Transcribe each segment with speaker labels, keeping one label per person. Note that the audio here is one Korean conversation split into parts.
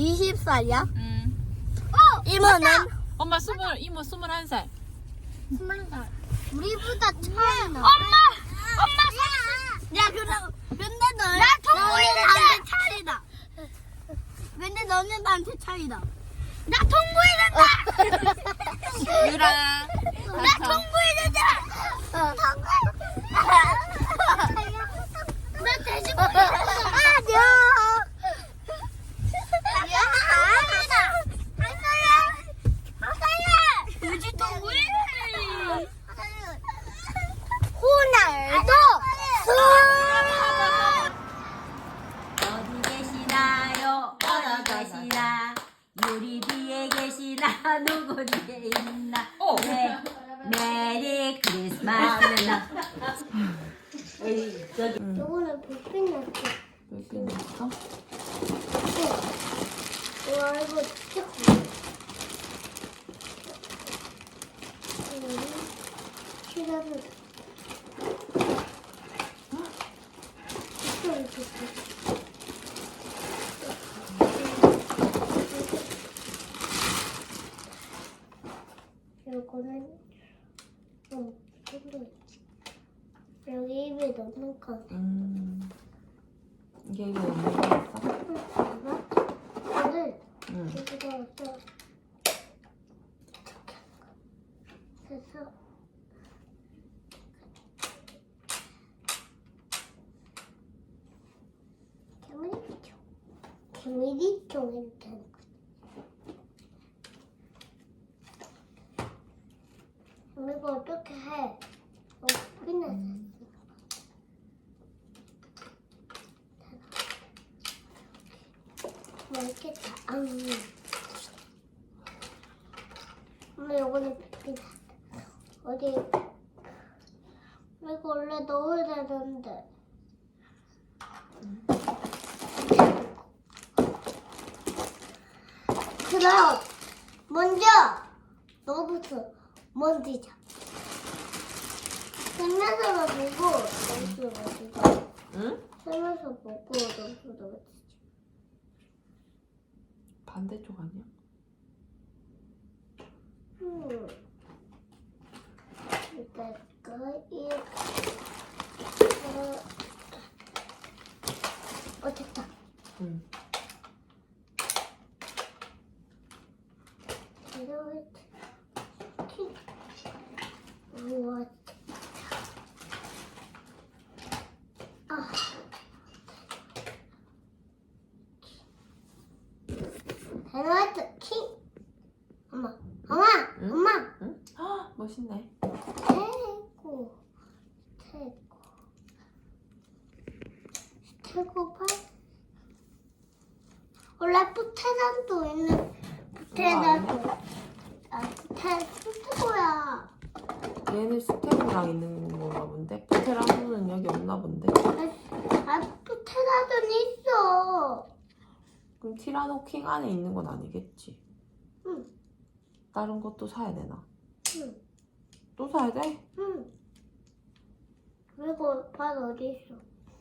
Speaker 1: 20살이야?
Speaker 2: 응.
Speaker 1: 이모는?
Speaker 2: 엄마 이모 21살.
Speaker 1: 21살. 우리보다 차이 나.
Speaker 3: 엄마!
Speaker 1: 야, 그럼, 근데 너는 나한테 차이다. 근데 너는 나한테 차이다.
Speaker 3: 나 통보해준다!
Speaker 2: 유라.
Speaker 3: 나 통보해준다! 나 돼지고기
Speaker 1: 안녕.
Speaker 3: 돼지 통보해!
Speaker 1: 호날두.
Speaker 4: 어디 계시나요? 어디 계시나? 유리 뒤에 계시나? 누구 뒤에 있나? 네. 메리 크리스마스.
Speaker 1: 요거는 불빛 났어.
Speaker 2: 몇개 넣었어?
Speaker 1: 와, 이거 진짜 커. 시간을. 요거는 좀 있지. 여기 입에 넣는 거.
Speaker 2: 이게 이거 없는 거였어?
Speaker 1: 봐봐. 이거를
Speaker 2: 응.
Speaker 1: 여기다 넣어서 해서 개미리총 이렇게 하는 거지. 그럼 이거 어떻게 해? 끝났어. 맛있겠다. 엄마 요거는 빗기다. 어디? 이거 원래 넣어야 되는데. 그럼 먼저 너부터 먼지자. 생면서만 보고 너부터 먼지자.
Speaker 2: 응?
Speaker 1: 생면서 보고 너부터 먼지자.
Speaker 2: 반대쪽 아니야?
Speaker 1: 이따 이 됐다.
Speaker 2: 응.
Speaker 1: 이렇게 우와. 데나이트 킹. 엄마,
Speaker 2: 응?
Speaker 1: 엄마.
Speaker 2: 응? 헉, 멋있네.
Speaker 1: 스테고발. 원래 부테산도 있는 부테산도. 스테고야.
Speaker 2: 얘는 스테고랑 있는 건가 본데? 부테랑은 여기 없나 본데?
Speaker 1: 부테산도 있어.
Speaker 2: 그럼 티라노 킹 안에 있는 건 아니겠지?
Speaker 1: 응.
Speaker 2: 다른 것도 사야 되나?
Speaker 1: 응.
Speaker 2: 또 사야 돼?
Speaker 1: 응. 그리고 발 어디 있어?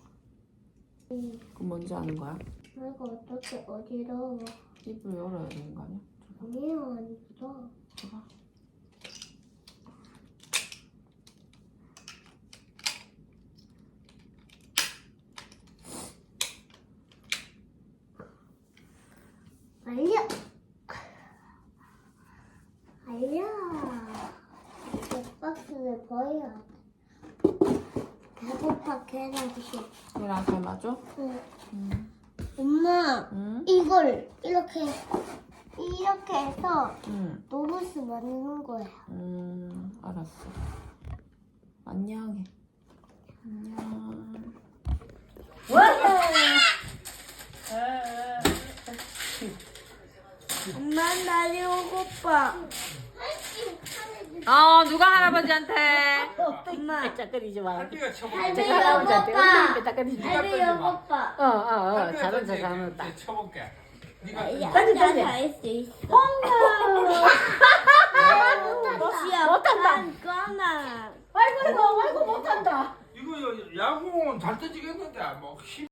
Speaker 2: 그럼 뭔지 아는 거야?
Speaker 1: 그리고 어떻게 어디로?
Speaker 2: 입을 열어야 되는 거 아니야?
Speaker 1: 아니요, 아니죠.
Speaker 2: 줘봐.
Speaker 1: 알려. 알려. 이 박스를 버려야 돼. 배고파 계란식.
Speaker 2: 얘랑 잘 맞아?
Speaker 1: 응. 엄마,
Speaker 2: 응?
Speaker 1: 이걸 이렇게 해서
Speaker 2: 응.
Speaker 1: 로봇 만드는 거야.
Speaker 2: 알았어. 안녕해. 안녕.
Speaker 1: 엄마, 나 배고파.
Speaker 4: 누가 할아버지한테?
Speaker 1: 엄마,
Speaker 4: 짝거리지 마.
Speaker 1: 할배 배고파.
Speaker 4: 짝거리지 마.
Speaker 1: 할배 배고파.
Speaker 4: 잘한다, 잘한다.
Speaker 5: 쳐볼게. 네가
Speaker 1: 혼자 다 할 수 있어.
Speaker 4: 못한다.
Speaker 1: 까만.
Speaker 4: 아이고, 못한다.
Speaker 5: 이거 야구공은 잘 던지겠는데 뭐 힘.